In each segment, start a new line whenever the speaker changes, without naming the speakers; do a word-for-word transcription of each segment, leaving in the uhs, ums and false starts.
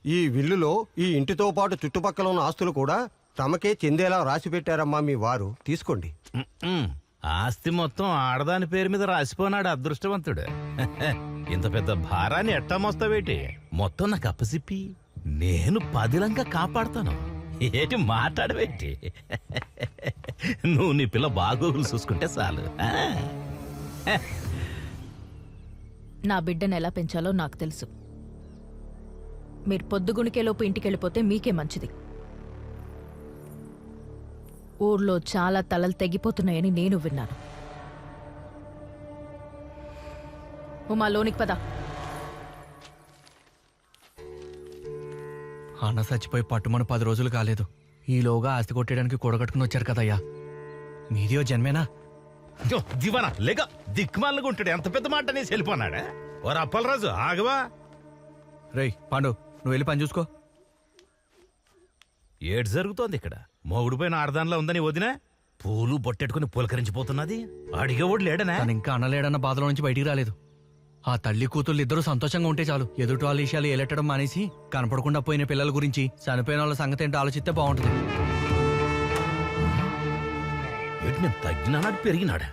ఈ విల్లులో ఈ ఇంటితో పాటు చుట్టుపక్కల ఉన్న ఆస్తులు కూడా తమకే చెందేలా రాసి పెట్టారమ్మా మీ వారు. తీసుకోండి.
ఉమ్మ్. ఆస్తి మొత్తం ఆడదాని పేరు మీద రాసిపోనాడు అదృష్టవంతుడు. ఇంత పెద్ద భారాన్ని ఎట్టా మోస్తావేటి? మొత్తం నాకు అప్పసిప్పి నేను పదిలంగా కాపాడుతాను. ఏటి మాట్లాడవేటి? నువ్వు నీ పిల్ల బాగోగులు చూసుకుంటే చాలు.
నా బిడ్డను ఎలా పెంచాలో నాకు తెలుసు. మీరు పొద్దుగుణికేలోపు ఇంటికి వెళ్ళిపోతే మీకే మంచిది. ఊర్లో చాలా తలలు తెగిపోతున్నాయని నేను విన్నాను. ఉమా, లోనికి పద.
అన్న చచ్చిపోయి పట్టుమని పది రోజులు కాలేదు. ఈలోగా ఆస్తి కొట్టేయడానికి కూడగట్టుకుని వచ్చారు కదయ్యా. మీదియో జన్మేనా?
దివానా లేక దిక్కుమాలకు ఉంటాడు. ఎంత పెద్ద మాట అనేసి వెళ్ళిపోన్నాడా? ఓ అప్పలరాజు ఆగవా?
రేయ్ పాండు, నువ్వు వెళ్ళి పని చూసుకో.
ఏడు జరుగుతోంది ఇక్కడ? మొగుడు పైన ఆడదానిలో ఉందని వదిన పూలు బొట్టెట్టుకుని పులకరించిపోతున్నది. అడిగేవాడు లేడనా?
తను ఇంకా అనలేడన్న బాధలో నుంచి బయటికి రాలేదు. ఆ తల్లి కూతుళ్ళు ఇద్దరు సంతోషంగా ఉంటే చాలు. ఎదుటి వాళ్ళ విషయాలు ఏలెట్టడం మానేసి కనపడకుండా పోయిన పిల్లల గురించి, చనిపోయిన వాళ్ళ సంగతి ఏంటో ఆలోచిస్తే బాగుంటుంది.
నేను తగ్గినాడు పెరిగినాడా?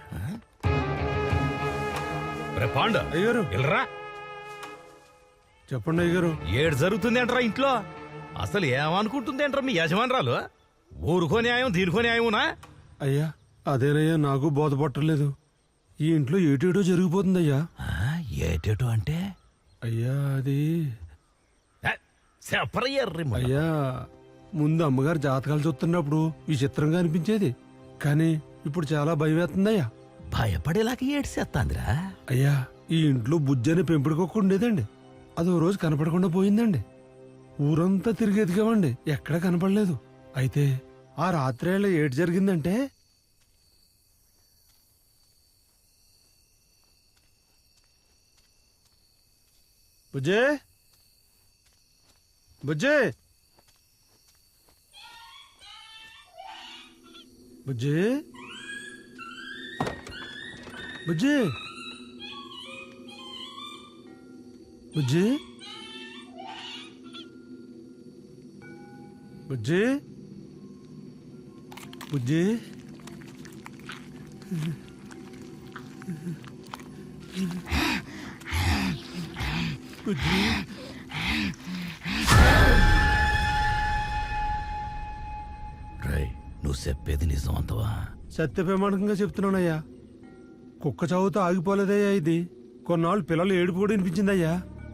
పాండ
అయ్యారు
వెళ్ళరా.
చెప్పండి అయ్యారు.
ఏడు జరుగుతుంది అంటారా ఇంట్లో? అసలు ఏమనుకుంటుంది అంటారా మీ యజమానురాలు? ఊరుకో న్యాయం దీనికో న్యాయమునా?
అయ్యా అదేనయ్యా, నాకు బోధపట్టలేదు. ఈ ఇంట్లో ఏటేటో జరిగిపోతుందయ్యా.
ఏటేటో అంటే?
అయ్యా అది
చెప్పరయ్యర్రి.
అయ్యా ముందు అమ్మగారు జాతకాలు చూస్తున్నప్పుడు విచిత్రంగా అనిపించేది, కానీ ఇప్పుడు చాలా భయం వేస్తుందయ్యా.
భయపడేలాగా ఏడ్చేస్తాందిరా.
అయ్యా ఈ ఇంట్లో బుజ్జి అనే పెంపుడుకొక్క ఉండేదండి. అది ఓ రోజు కనపడకుండా పోయిందండి. ఊరంతా తిరిగి ఎదిగామండి, ఎక్కడా కనపడలేదు. అయితే ఆ రాత్రేళ్ళ ఏటి జరిగిందంటే, బుజ్జే బుజ్జే బుజ్జే బుజ్జే బుజ్జి బుజ్జి బుజ్జి బుజ్జి
రై, నువ్వు చెప్పేది నిజం అంతవా?
సత్యప్రమాణకంగా చెప్తున్నానయ్యా. కుక్క చావుతో ఆగిపోలేదయ్యా ఇది. కొన్నాళ్ళు పిల్లలు ఏడుపు కూడా వినిపించిందయ్యా.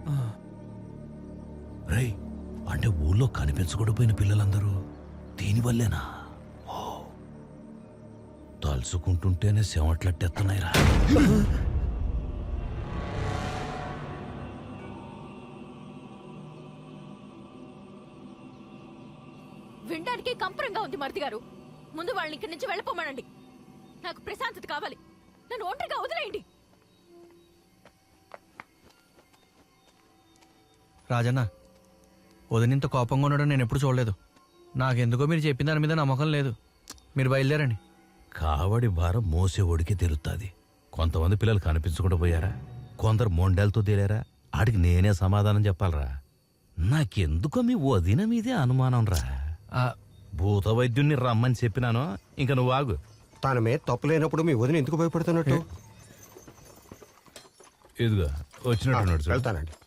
రై, అంటే ఊళ్ళో కనిపించకూడపోయిన పిల్లలందరూ దీనివల్లేనా? ఓ, తలుచుకుంటుంటేనే శవట్లట్టెత్తున్నాయిరా.
వినడానికి కంపరంగా ఉంది మరిది గారు. ముందు వాళ్ళని ఇక్కడి నుంచి వెళ్ళిపోమనండి. నాకు ప్రశాంతత కావాలి. నన్ను ఒంటరిగా వదిలేయండి.
రాజన్న, వదినింత కోపంగా ఉండడం నేను ఎప్పుడు చూడలేదు. నాకెందుకో మీరు చెప్పిన దాని మీద నమ్మకం లేదు. మీరు బయలుదేరండి.
కావడి భారం మోసేవాడికి తెలుస్తుంది. కొంతమంది పిల్లలు కనిపించకుండా పోయారా, కొందరు మొండాలతో తేలారా. ఆడికి నేనే సమాధానం చెప్పాలరా. నాకెందుకో మీ వదిన మీదే అనుమానం రా. భూత వైద్యుణ్ణి రమ్మని చెప్పినాను, ఇంక నువ్వు ఆగు.
తన మీద తప్పు లేనప్పుడు మీ వదిన ఎందుకు భయపడుతున్నట్టు?
ఇదిగో వచ్చినట్టు
వెళ్తానండి.